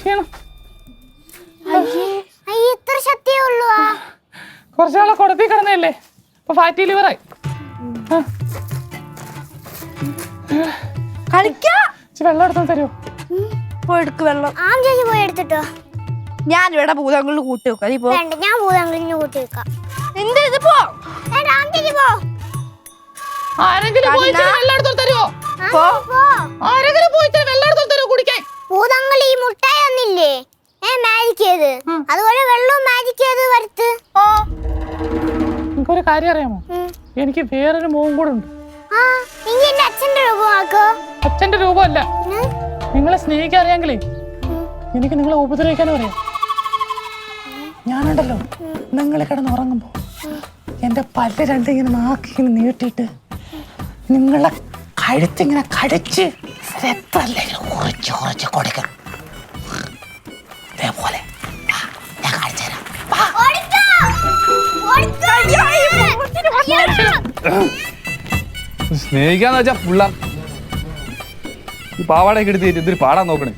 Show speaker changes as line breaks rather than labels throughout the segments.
ക്ഷീണം.
ഇത്ര ശക്തിയേ ഉള്ളൂ.
കുറച്ചാളെ കൊടുത്തി കിടന്നല്ലേ, ഇപ്പൊ ഫാറ്റി ലിവറായി. വെള്ളം എടുത്താൽ തരുമോ?
പോയെടുക്ക് വെള്ളം.
ചേച്ചി പോയി എടുത്തിട്ടോ.
ഞാൻ ഇവിടെ ഭൂതങ്ങളിൽ കൂട്ടി വെക്കാം.
ഞാൻ ഭൂതങ്ങളിൽ കൂട്ടി വെക്കാം.
എന്ത് ഇത് പോ.
ആരെങ്കിലും വെള്ളം എടുത്താൽ തരുമോ? ആരെങ്കിലും പോയിട്ട് വെള്ളം എടുത്താൽ തരുമോ കുടിക്കാൻ?
ഭൂതങ്ങൾ ഈ മുട്ടായി ഒന്നില്ലേ മാജിക് ചെയ്ത്, അതുപോലെ വെള്ളവും മാജിക് ചെയ്ത് വരുത്ത്.
നിങ്ങൾക്കൊരു കാര്യം അറിയാമോ? എനിക്ക് വേറൊരു മോൻ കൂടെ ഉണ്ട്.
അച്ഛന്റെ രൂപമാക്കോ?
അച്ഛന്റെ രൂപമല്ല, നിങ്ങളെ സ്നേഹിക്കാൻ അറിയാമെങ്കിലേ എനിക്ക് നിങ്ങളെ ഉപദ്രവിക്കാനും അറിയാം. ഞാനുണ്ടല്ലോ, നിങ്ങൾ കിടന്നുറങ്ങുമ്പോ എന്റെ പല്ല് രണ്ടിങ്ങനെ നാക്കിങ്ങനെ നീട്ടിയിട്ട് നിങ്ങളെ കഴുത്തിങ്ങനെ കടിച്ച് കുറച്ച് കുറച്ച് കൊടുക്കണം. ഇതേപോലെ ഞാൻ കാണിച്ചു തരാം.
സ്നേഹിക്കാന്ന് വെച്ചാ പിള്ള ഈ പാവാടയൊക്കെ എടുത്ത് ഇതൊരു പാടാൻ നോക്കണേ.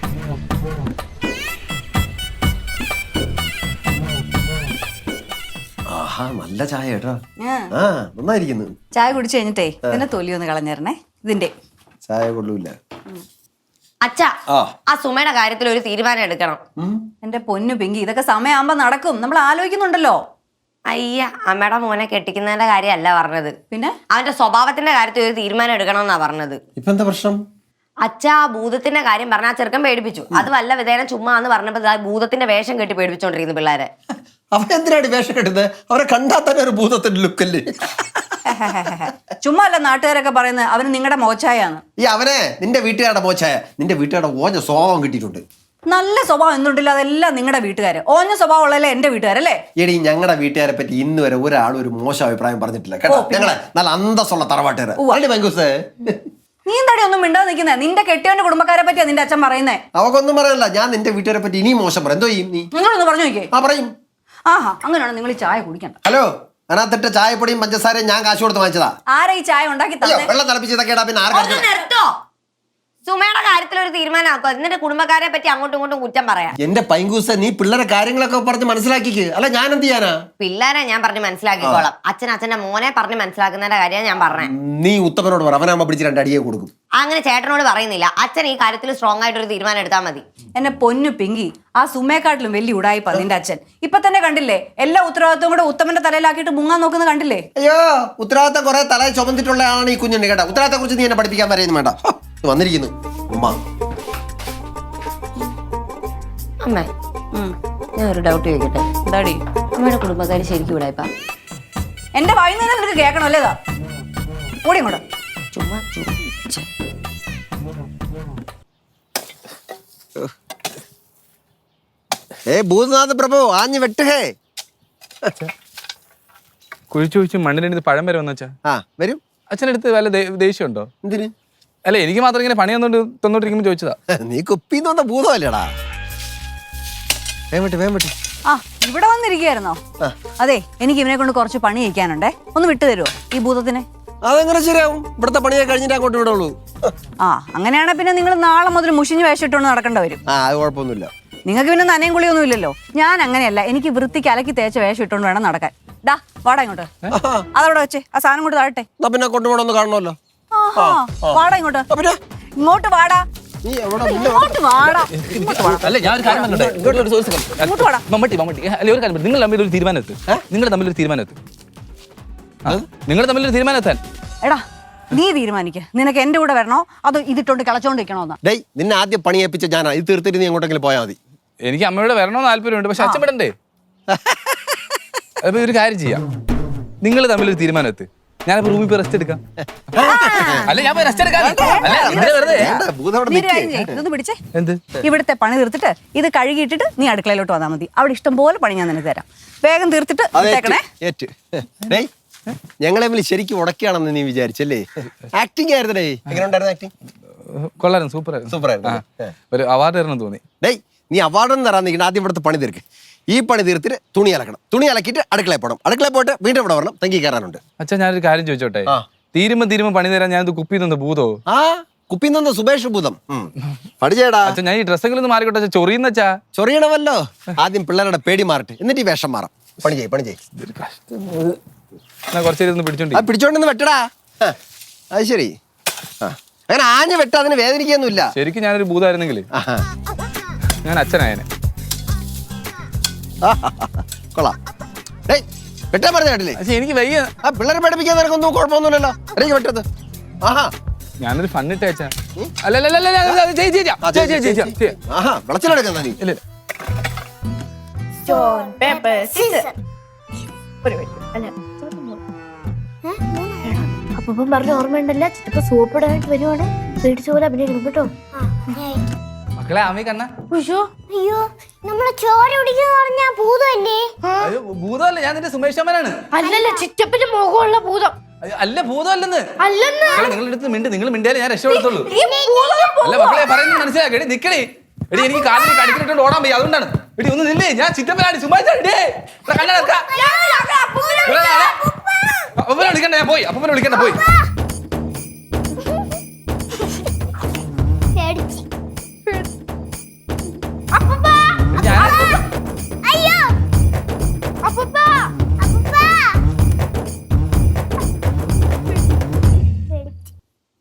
ആഹാ, നല്ല ചായ കേട്ടോ. നന്നായിരിക്കുന്നു.
ചായ കുടിച്ചു കഴിഞ്ഞിട്ടേ ഇതിന്റെ തൊലി ഒന്ന് കളഞ്ഞേരണേ. ഇതിന്റെ
ചായ കൊള്ളൂല.
അച്ഛാ, ആ സുമയുടെ കാര്യത്തിൽ ഒരു തീരുമാനം എടുക്കണം.
എന്റെ പൊന്നു പിങ്കി, ഇതൊക്കെ സമയമാകുമ്പോ നടക്കും. നമ്മൾ ആലോചിക്കുന്നുണ്ടല്ലോ.
അയ്യ, അമ്മയുടെ മോനെ കെട്ടിക്കുന്നതിന്റെ കാര്യമല്ല പറഞ്ഞത്,
പിന്നെ
അവന്റെ സ്വഭാവത്തിന്റെ കാര്യത്തിൽ ഒരു തീരുമാനം എടുക്കണം എന്നാ പറഞ്ഞത്.
ഇപ്പൊ എന്താ പ്രശ്നം?
അച്ഛാ, ഭൂതത്തിന്റെ കാര്യം പറഞ്ഞ ആ ചെറുക്കൻ പേടിപ്പിച്ചു. അത് വല്ല വിധേന ചുമ്മാ എന്ന് പറഞ്ഞപ്പോ ഭൂതത്തിന്റെ വേഷം കെട്ടി പേടിപ്പിച്ചോണ്ടിരിക്കുന്നു പിള്ളേരെ.
അവരെന്തിനാണ് വേഷം കെട്ടുന്നത്? അവരെ കണ്ടാൽ തന്നെ ഒരു ഭൂതത്തിന്റെ ലുക്കല്ലേ.
ചുമ്മാ അല്ല നാട്ടുകാരൊക്കെ പറയുന്നത് അവന് നിങ്ങളുടെ മോച്ചായാണ്.
ഈ അവനെ നിന്റെ വീട്ടുകാരുടെ മോച്ചായ, നിന്റെ വീട്ടുകാരുടെ ഓഞ്ഞ സ്വഭാവം കിട്ടിയിട്ടുണ്ട്.
നല്ല സ്വഭാവം എന്തുണ്ടില്ല, അതെല്ലാം നിങ്ങളുടെ വീട്ടുകാര്. ഓഞ്ഞ സ്വഭാവം ഉള്ളല്ലേ എന്റെ വീട്ടുകാരല്ലേ?
എടി, ഞങ്ങളുടെ വീട്ടുകാരെ പറ്റി ഇന്ന് വരെ ഒരാളും ഒരു മോശം അഭിപ്രായം പറഞ്ഞിട്ടില്ല കേട്ടോ. ഞങ്ങളെ നല്ല അന്തസ്സുള്ള തറവാട്ടുകാര്.
നീ എന്താടി ഒന്നും മിണ്ടാതെ നിൽക്കുന്നേ? നിന്റെ കെട്ടിയവന്റെ കുടുംബക്കാരെ പറ്റിയാ നിന്റെ അച്ഛൻ പറയുന്നേ.
അവക്കൊന്നും പറയല്ല. ഞാൻ നിന്റെ വീട്ടുകാരെ പറ്റി ഇനിയും മോശം പറയാം. എന്തോ ചെയ്യും നീ?
നിങ്ങളൊന്ന് പറഞ്ഞു നോക്കിയേ.
പറയും.
ആഹാ, അങ്ങനെയാണ് നിങ്ങൾ ഈ ചായ കുടിക്കണ്ട.
ഹലോ, അതിനകത്തിട്ട് ചായപ്പൊടിയും പഞ്ചസാരയും ഞാൻ കാശ് കൊടുത്ത് വാങ്ങിച്ചതാ.
ആരാ ഈ ചായ ഉണ്ടാക്കി തന്നെ?
വെള്ളം തിളപ്പിച്ചതൊക്കെ പിന്നെ
നിർത്തോ, സുമയുടെ കാര്യത്തിൽ ഒരു തീരുമാനം ആക്കോ. എന്നിട്ട് കുടുംബക്കാരെ പറ്റി അങ്ങോട്ടും ഇങ്ങോട്ടും കുറ്റം പറയാം.
എന്റെ പൈങ്കൂസ, നീ പിള്ളേരെ കാര്യങ്ങളൊക്കെ പറഞ്ഞ് മനസ്സിലാക്കിക്ക്. അല്ല ഞാൻ എന്ത് ചെയ്യാനാ?
പിള്ളേരെ ഞാൻ പറഞ്ഞ് മനസ്സിലാക്കിക്കോളാം. അച്ഛന്റെ മോനെ പറഞ്ഞ് മനസ്സിലാക്കുന്നതിന്റെ കാര്യം ഞാൻ പറഞ്ഞേ.
നീ ഉത്തമനോട് പറ, അവനാകുമ്പോ പിടിച്ച് 2 അടിയെ കൊടുക്കും.
അങ്ങനെ ചേട്ടനോട് പറയുന്നില്ല. അച്ഛൻ ഈ കാര്യത്തിൽ സ്ട്രോങ് ആയിട്ട് ഒരു തീരുമാനം എടുത്താൽ മതി.
എന്നെ പൊന്നു പിങ്കി, ആ സുമയെക്കാട്ടിലും വലിയ ഉടായിപ്പാ നിന്റെ അച്ഛൻ. ഇപ്പൊ തന്നെ കണ്ടില്ലേ, എല്ലാ ഉത്തരവാദിത്വം കൂടെ ഉത്തമന്റെ തലയിലാക്കിയിട്ട് മുങ്ങാൻ നോക്കുന്നത് കണ്ടില്ലേ?
അയ്യോ, ഉത്തരവാദിത്തം കുറെ തലയിൽ ചുമന്നിട്ടുള്ള ആളാണ് ഈ കുഞ്ഞുണ്ട് കേട്ടോ. ഉത്തരവാദിത്തത്തെ കുറിച്ച് നീ എന്നെ പഠിപ്പിക്കാൻ പറയുന്നു വേണ്ട. വന്നിരിക്കുന്നു ഉമ്മ.
അമ്മേ, ഞാൻ ഒരു ഡൗട്ട് ചോദിക്കട്ടെ?
എന്താടി?
അമ്മയുടെ കുടുംബക്കാര് ശരിക്കും ഇവിടായിപ്പാ?
എന്റെ വായിൽ നിന്ന് നിനക്ക് കേൾക്കണോ അല്ലേതാ? കൂടി ഇങ്ങോട്ട്.
ചുമ്മാ
ഭൂതനാഥ പ്രഭു ആഞ്ഞു വെട്ടുഹേ.
കുഴിച്ചു മണ്ണിലെടുത്ത് പഴം വരെ വന്നച്ചാ
വരും.
അച്ഛനടുത്ത് വല്ല ദേഷ്യമുണ്ടോ?
എന്തിന്?
അല്ല, എനിക്ക് മാത്രം ഇങ്ങനെ പണി തന്നോണ്ടിരിക്കുമ്പോ ചോദിച്ചതാ.
നീ കുപ്പിന്ന് ഭൂതമല്ലേടാ.
ആ, ഇവിടെ വന്നിരിക്കുകയായിരുന്നോ? അതെ, എനിക്ക് ഇവനെ കൊണ്ട് കുറച്ച് പണി ചെയ്യിക്കാനുണ്ടേ. ഒന്ന് വിട്ടു തരുമോ ഈ ഭൂതത്തിനെ?
അതെങ്ങനെ ശരിയാവും? ഇവിടുത്തെ പണിയൊക്കെ കഴിഞ്ഞിട്ട് അങ്ങോട്ട് വിടുള്ളൂ.
അങ്ങനെയാണെ പിന്നെ നിങ്ങൾ നാളെ മുതൽ മുഷിഞ്ഞ് വേഷിട്ടോണ്ട് നടക്കേണ്ടി വരും.
അത് കുഴപ്പമൊന്നുമില്ല.
നിങ്ങൾക്ക് പിന്നെ നനയും കുളിയൊന്നും ഇല്ലല്ലോ. ഞാൻ അങ്ങനെയല്ല, എനിക്ക് വൃത്തിക്ക് അലക്കി തേച്ച വേഷം ഇട്ടോണ്ട് വേണം നടക്കാൻ. ഡാ, വാടാ ഇങ്ങോട്ട്. അതവിടെ വെച്ചേ, ആ സാധനം കൊണ്ട് താഴട്ടെ.
പിന്നെ കൊണ്ടുപോകണമെന്ന് കാണണമല്ലോ.
വാടാ ഇങ്ങോട്ട്. ഇങ്ങോട്ട് വാടാ. ഇങ്ങോട്ട് വാടാ.
അല്ല, ഞാൻ ഒരു കാര്യം പറഞ്ഞോട്ടെ. ഒരു കാര്യം, നിങ്ങൾ തമ്മിലൊരു തീരുമാനം എത്താൻ.
എടാ, നീ തീരുമാനിക്ക. നിനക്ക് എന്റെ കൂടെ വരണോ അതോ ഇതിട്ടോണ്ട് കളച്ചോണ്ടിരിക്കണോന്നാ?
ഡേയ്, നിന്നെ ആദ്യം പണി ഏൽപ്പിച്ച ഞാനാ. ഇത് തീർത്തിട്ട് നീ എങ്ങോട്ടെങ്കിലും പോയാൽ മതി.
എനിക്ക് അമ്മയോട് വരണമെന്ന് താല്പര്യമുണ്ട്, പക്ഷെ അച്ഛൻ വിടണ്ടേ? അപ്പൊ ഒരു കാര്യം ചെയ്യാം, നിങ്ങൾ തമ്മിലൊരു തീരുമാനം എത്ത്. ഞാനിപ്പോ റൂമിൽ പോയി റെസ്റ്റ് എടുക്കാം. അല്ല, ഞാൻ റെസ്റ്റ് എടുക്കാം.
ഇതൊന്ന് പിടിച്ചേ. എന്ത്? ഇവിടുത്തെ പണി തീർത്തിട്ട് ഇത് കഴുകിയിട്ടിട്ട് നീ അടുക്കളയിലോട്ട് വന്നാൽ മതി. അവിടെ ഇഷ്ടം പോലെ പണി ഞാൻ നിനക്ക് തരാം. വേഗം തീർത്തിട്ട്
ഞങ്ങളെ ശരിക്കും ഉടക്കുകയാണെന്ന് നീ വിചാരിച്ചല്ലേ? ആക്ടിങ് ആയിരുന്നേ. എങ്ങനെയുണ്ടായിരുന്നു ആക്ടിങ്?
കൊള്ളായിരുന്നു, സൂപ്പറായിരുന്നു. ഒരു അവാർഡ് തരണം തോന്നി.
ഡേയ്, നീ അവാർഡൊന്നും തരാൻ നിൽക്കണം. ആദ്യം ഇവിടുത്തെ പണി തീർക്ക്. ഈ പണി തീർത്തിട്ട് തുണി അലക്കണം. തുണി അലക്കിയിട്ട് അടുക്കളയിൽ പോകണം. അടുക്കളയിൽ പോയിട്ട് വീണ്ടും ഇവിടെ വരണം. തങ്കി കയറാനുണ്ട്.
അച്ഛാ, ഞാനൊരു കാര്യം ചോദിച്ചോട്ടെ? തീരുമ്പോ പണി തരാൻ ഞാനത് കുപ്പി തന്ന ഭൂതോ?
കുപ്പിന്ന് സുബേഷ് ഭൂതം പഠിച്ചേടാ.
അച്ഛാ ഞാൻ ഈ ഡ്രസ്സെങ്കിലും ഒന്ന് മാറിക്കോട്ടെ അച്ഛാ, ചൊറിയുന്ന അച്ഛാ.
ചൊറിയണമല്ലോ. ആദ്യം പിള്ളേരുടെ പേടി മാറട്ടെ, എന്നിട്ട് ഈ വേഷം മാറാം. പണി ചെയ്യ്.
ഞാൻ കുറച്ച് നേരം ഒന്ന് പിടിച്ചോണ്ടി.
ആ പിടിച്ചോണ്ടെന്ന് വെട്ടടാ. അത് ശരി. അങ്ങനെ ആഞ്ഞ വെട്ട, അതിന് വേദനിക്കൊന്നുമില്ല.
ശരിക്കും ഞാനൊരു ഭൂതമായിരുന്നെങ്കിൽ ഞാൻ അച്ഛനായനെ.
കൊള്ളാം. ഡേയ് വെട്ടാൻ പറഞ്ഞ കേട്ടില്ലേ?
പക്ഷെ എനിക്ക് വയ്യ.
ആ പിള്ളേരെ പഠിപ്പിക്കാൻ നിനക്കൊന്നും കുഴപ്പമൊന്നുമില്ലല്ലോ. എനിക്ക് വെട്ടത്. ആഹാ
ഞാനൊരു ഫണ്ണിട്ട് അച്ഛാ. അല്ല
വിളച്ചിലെടുക്കുന്ന നീ.
ഇല്ല
സ്റ്റോൺ പേപ്പർ സീസർ. ഒരു മിനിറ്റ്. അല്ല
അപ്പം പറഞ്ഞ ഓർമ്മയുണ്ടല്ല, ചിറ്റപ്പ സോപ്പ് ഇടാനായിട്ട് വരുവാണ്. പേടിച്ച പോലെ അഭിനയിക്കണം കേട്ടോ.
മക്കളെ ആമി കണ്ണ.
അയ്യോ നമ്മളെ ചോര പിടിക്കുന്ന പറഞ്ഞ ഭൂതമല്ലേ?
ഭൂതമല്ല, ഞാൻ നിന്റെ സുമേഷമ്മനാണ്.
അല്ലല്ല, ചിറ്റപ്പന്റെ മുഖമുള്ള ഭൂതം.
അല്ല ഭൂതമല്ലെന്ന്.
അല്ലെന്ന്
നിങ്ങളുടെ അടുത്ത് നിങ്ങൾ മിണ്ടിയാലേ ഞാൻ രക്ഷപ്പെടുത്തുള്ളൂ. അല്ല മക്കളെ പറയുന്നത് മനസ്സിലാക്കി. എടി നിക്കണേ, എടി എനിക്ക് കാലിൽ കടിക്കിട്ടുണ്ട് ഓടാൻ പോയി, അതുകൊണ്ടാണ്. എടി ഒന്ന് നില്ലേ, ഞാൻ ചിറ്റപ്പനാണ് സുമേഷ്. കണ്ണടക്ക വിളിക്കണ്ട, ഞാൻ പോയി. അപ്പനെ വിളിക്കണ്ട, പോയി.